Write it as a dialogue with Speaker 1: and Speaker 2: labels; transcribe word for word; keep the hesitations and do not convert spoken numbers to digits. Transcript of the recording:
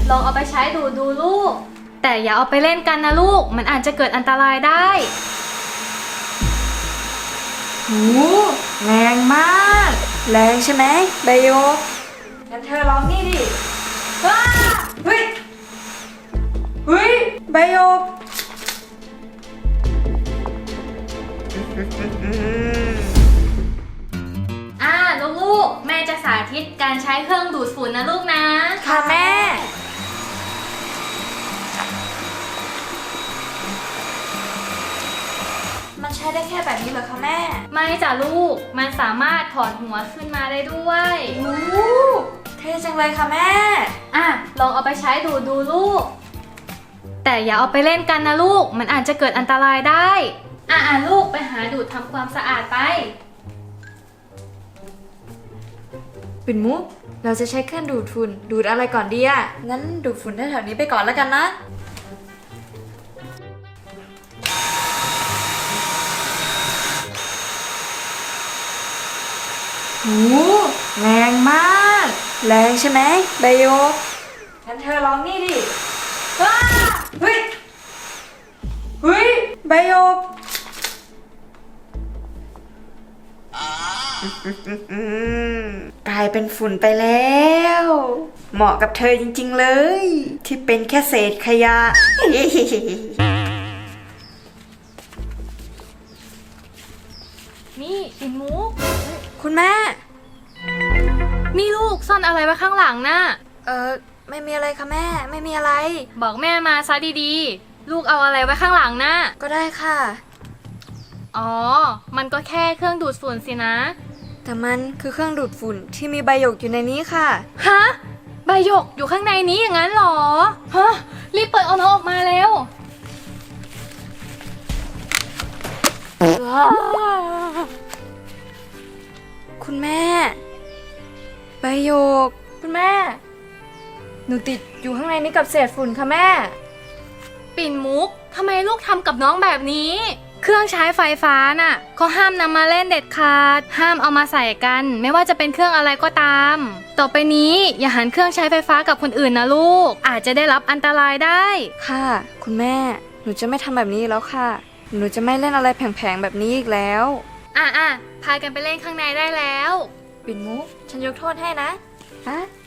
Speaker 1: ลองเอาไปใช้ดูดูลูกแต่อย่าเอาไปเล่นกันนะลูกมันอาจจะเกิดอันตรายได้
Speaker 2: โหแรงมากแรงใช่ไหมใบโยกงั้นเธอลองนี่ดิว้าเฮ้ยเฮ้ยใบโยก
Speaker 1: อ่าลูกๆแม่จะสาธิตการใช้เครื่องดูดฝุ่นนะลูกนะ
Speaker 2: ค่ะแม่มันใช้ได้แค่แบบนี้เหรอคะแม่
Speaker 1: ไม่จ้ะลูกมันสามารถถอดหัวขึ้นมาได้ด้วย
Speaker 2: โอ้เท่จังเลยค่ะแม่
Speaker 1: อ่ะลองเอาไปใช้ดูดูลูกแต่อย่าเอาไปเล่นกันนะลูกมันอาจจะเกิดอันตรายได้อ่ะอ่ะลูกไปหาดูดทำความสะอาดไป
Speaker 2: ปิ่นมุกเราจะใช้เครื่องดูดฝุ่นดูดอะไรก่อนดีอะงั้นดูดฝุ่นแถวๆนี้ไปก่อนแล้วกันนะโหแรงมากแรงใช่ไหมใบโยกงั้นเธอลองนี่ดิว้าเฮ้ยเฮ้ยใบโยกกลายเป็นฝุ่นไปแล้วเหมาะกับเธอจริงๆเลยที่เป็นแค่เศษขยะ
Speaker 1: นี่ปิ่นมุก
Speaker 2: คุณแม่
Speaker 1: นี่ลูกซ่อนอะไรไว้ข้างหลังน่ะ
Speaker 2: เออไม่มีอะไรค่ะแม่ไม่มีอะไร
Speaker 1: บอกแม่มาซะดีๆลูกเอาอะไรไว้ข้างหลังน่ะ
Speaker 2: ก็ได้ค่ะ
Speaker 1: อ๋อมันก็แค่เครื่องดูดฝุ่นสินะ
Speaker 2: แต่มันคือเครื่องดูดฝุ่นที่มีใบหยกอยู่ในนี้ค่ะ
Speaker 1: ฮะใบหยกอยู่ข้างในนี้อย่างนั้นหรอฮะรีบเปิดเอาน้องออกมาเร็ว
Speaker 2: คุณแม่ใบหยกคุณแม่หนูติดอยู่ข้างในนี้กับเศษฝุ่นค่ะแม่
Speaker 1: ปิ่นมุกทำไมลูกทำกับน้องแบบนี้เครื่องใช้ไฟฟ้าน่ะเขาห้ามนำมาเล่นเด็ดขาดห้ามเอามาใส่กันไม่ว่าจะเป็นเครื่องอะไรก็ตามต่อไปนี้อย่าหันเครื่องใช้ไฟฟ้ากับคนอื่นนะลูกอาจจะได้รับอันตรายได้
Speaker 2: ค่ะคุณแม่หนูจะไม่ทำแบบนี้แล้วค่ะหนูจะไม่เล่นอะไรแผงๆแบบนี้อีกแล้ว
Speaker 1: อ่ะอ่ะพากันไปเล่นข้างในได้แล้ว
Speaker 2: ปิ่นมุกฉันยกโทษให้นะฮะ